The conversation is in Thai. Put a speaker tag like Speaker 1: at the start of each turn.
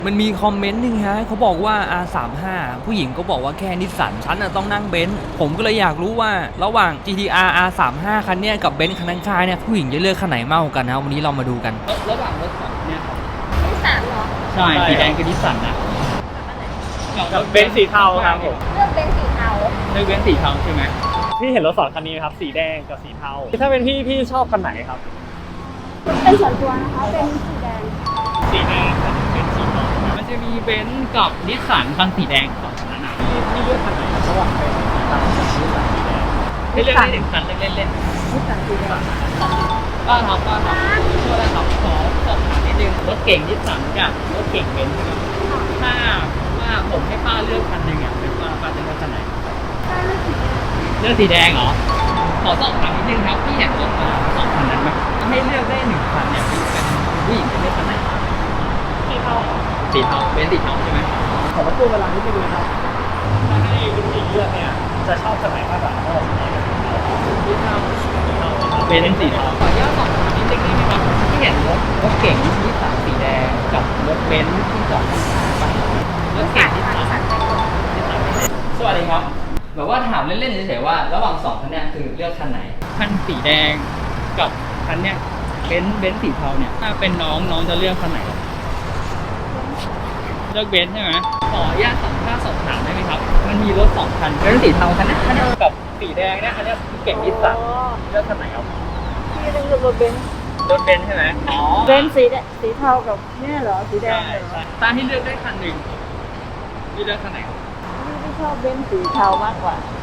Speaker 1: มันมีคอมเมนต์หนึ่งฮะเขาบอกว่า R35 ผู้หญิงก็บอกว่าแค่นิสสันฉันต้องนั่งเบนซ์ผมก็เลยอยากรู้ว่าระหว่าง GTR R35 คันเนี้ยกับเบนซ์คันข้างๆเนี่ยผู้หญิงจะเลือกคันไหนมากกว่ากันนะวันนี้เรามาดูกันระหว่างรถสองเนี่ยครับ
Speaker 2: นิสสันเหรอ
Speaker 1: ใช่สีแดงคือนิสสันนะ
Speaker 3: กับเบนซ์สีเทาครับผม
Speaker 2: เลือกเป็นสีเทา
Speaker 1: เลือกเบนซ์สีเทาใช่ไหม
Speaker 3: พี่เห็นรถสองคันนี้ครับสีแดงกับสีเทาถ้าเป็นพี่ชอบคันไหนครับ
Speaker 2: เป็นส่วนตัวนะคะเป็นสีแดง
Speaker 3: สีแดงกับเป็นสีเทา
Speaker 1: มันจะมีเบนซ์กับนิสสันคันสีแดงสองคันนะ
Speaker 3: พี่เลือกคันไหนครับระหว่างเบนซ์สีเทากับสีแดง
Speaker 1: ให้เลือกได้หนึ่งคันเล่นๆ
Speaker 2: นิสสันสีแดง
Speaker 1: ป้าครับโทษนะครับขอสอบถามนิดนึงรถเก่งนิสสันกับรถเก่งเบนซ์นะครับถ้าว่าผมให้ป้าเลือกคันหนึ่งเป็นป้าจะเลือกคันไหน
Speaker 2: ได้ไม่สีแดง
Speaker 1: เลือกสีแดงเหรอขอสอบถามนิดนึงครับพี่เห็นรถมาสองคันนั้นไหมถ้าให้เลือกได้หนึ่งคันเนี่ยพี่เป็นผู้หญิงจะเลือกคันไหน
Speaker 3: สีเทา
Speaker 1: สีเทาเบนซ์สีเทาใช่ไหม
Speaker 3: ขอรบกวนเวลานิดนึงนะครับถ้าให้คุณหญิงเลือกเนี่ยจะชอบคันไหนมากกว่าระหว่างสีแดงกับสีเทา
Speaker 1: เบนซ์สีเทาขออนุญาตสอบถามนิดนึงได้ไหมครับพี่เห็นรถเก่งนิสสันสีแดงกับรถเบนซ์ที่จอดข้างๆไปรถเก่งนิสสัน สวัสดีครับแบบว่าถามเล่นๆเฉยๆว่าระหว่างสองคันเนี้ยคือเลือกคันไหนคันสีแดงกับคันเนี้ยเบนซ์สีเทาเนี่ยถ้าเป็นน้องจะเลือกคันไหนเลือกเบนซ์ใช่ไหมขออนุญาตสอบถามได้ไหมครับมันมีรถสองคันเบนซ์สีเทาคันนี้กับสีแดงเนี่ยคันนี้เก่งนิสสันเลือกคันไหนครับ
Speaker 2: พี่เลือกรถเบนซ์
Speaker 1: รถเบนซ์ใช่ไหมอ๋อ
Speaker 2: เบนซ์สีเทากับเนี่ยเหรอสีแด
Speaker 1: ใช่
Speaker 2: งเหรอ
Speaker 1: ใช่ถ้าให้เลือกได้คันหนึ่งพี่เลือกคันไหนครับ
Speaker 2: พี่ชอบเบนซ์สีเทามากกว่า